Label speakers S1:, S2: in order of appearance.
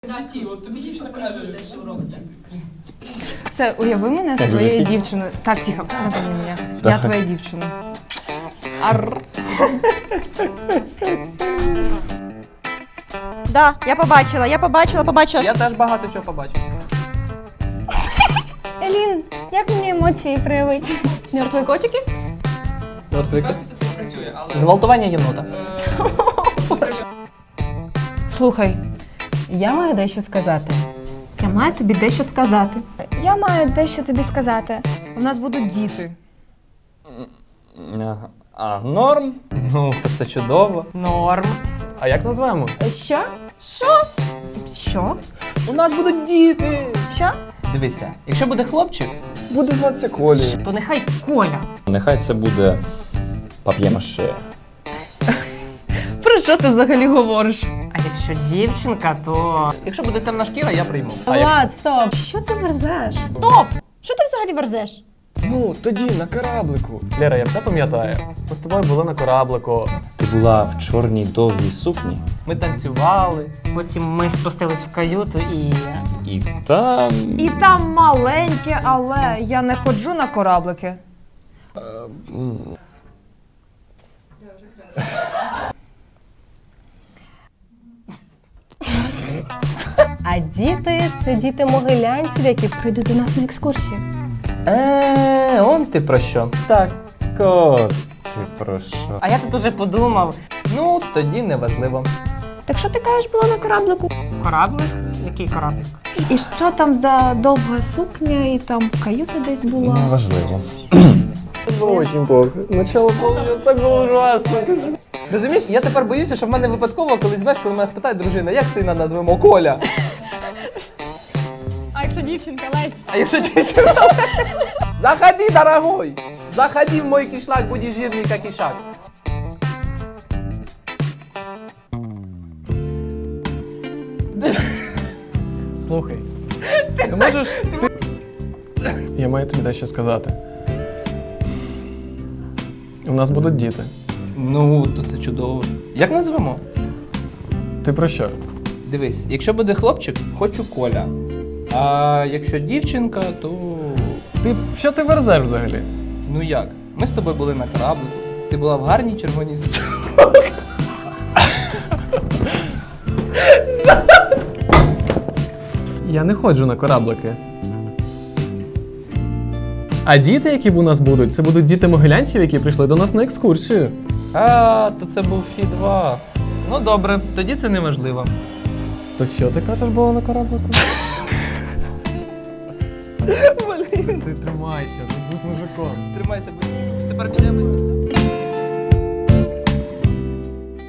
S1: В житті, от тобі дівчина каже, що робить.
S2: Все, уяви мене своєю дівчиною. Так, тихо, смотри на мене. Я твоя дівчина. Арр.
S3: Да, я побачила.
S1: Я теж багато чого побачив.
S2: Елін, як мені емоції проявити?
S3: Мертві котики?
S1: Мертвий кот. Це працює, але... Зґвалтування єнота.
S2: Слухай, я маю дещо сказати. Я маю тобі дещо сказати.
S4: Я маю дещо тобі сказати.
S2: У нас будуть діти.
S1: Норм? Ну, то це чудово.
S5: Норм. А як назвемо?
S2: Що? Що?
S1: У нас будуть діти!
S4: Що?
S1: Дивися, якщо буде хлопчик,
S5: Буде зватися Колі.
S1: то нехай Коля.
S6: Нехай це буде пап'є-маше.
S2: Про що ти взагалі говориш?
S5: А якщо дівчинка, то...
S1: Якщо буде темна шкіра, я прийму.
S2: Влад, стоп! Що ти верзеш?
S3: Стоп! Що ти взагалі верзеш?
S5: Ну, тоді на кораблику. Лера, я все пам'ятаю. Ми з тобою були на кораблику.
S6: Ти була в чорній довгій сукні,
S1: Ми танцювали.
S5: Потім ми спустились в каюту
S6: і там...
S2: І там маленьке, але я не ходжу на кораблики. А діти – це діти могилянців, які прийдуть до нас на екскурсію.
S1: Он ти про що?
S6: Так, от ти про що?
S5: А я тут уже подумав.
S1: Ну, тоді неважливо.
S3: Так що ти кажеш, було на кораблику?
S5: Кораблик? Який кораблик?
S2: І що там за довга сукня, і там каюта десь була.
S6: Неважливо.
S5: Було очень плохо. Начало було так було ужасно.
S1: Розумієш, я тепер боюся, що в мене випадково, коли знаєш, коли мене спитають дружина, як сина назвемо? Коля.
S4: А якщо дівчинка Лесь?
S1: А якщо дівчина? Заходи, дорогой! Заходи в мой кишлак, будешь жирный, как ишак.
S7: Слухай, ти можеш. Я маю тобі дещо сказати. У нас будуть діти.
S1: Ну, то це чудово. Як назвемо?
S7: Ти про що?
S1: Дивись, якщо буде хлопчик, хочу Коля. А якщо дівчинка, то...
S7: Що ти верзеш взагалі?
S1: Ну як? Ми з тобою були на кораблику. Ти була в гарній червоній сукні.
S7: Я не ходжу на кораблики. А діти, які у нас будуть, це будуть діти могилянців, які прийшли до нас на екскурсію.
S1: А, то це був Фі-2. Ну добре, тоді це не важливо.
S7: То що ти кажеш було на кораблику?
S1: Блін.
S7: Ти тримайся, ти будь мужиком.
S1: Тримайся, будь. Тепер підемо.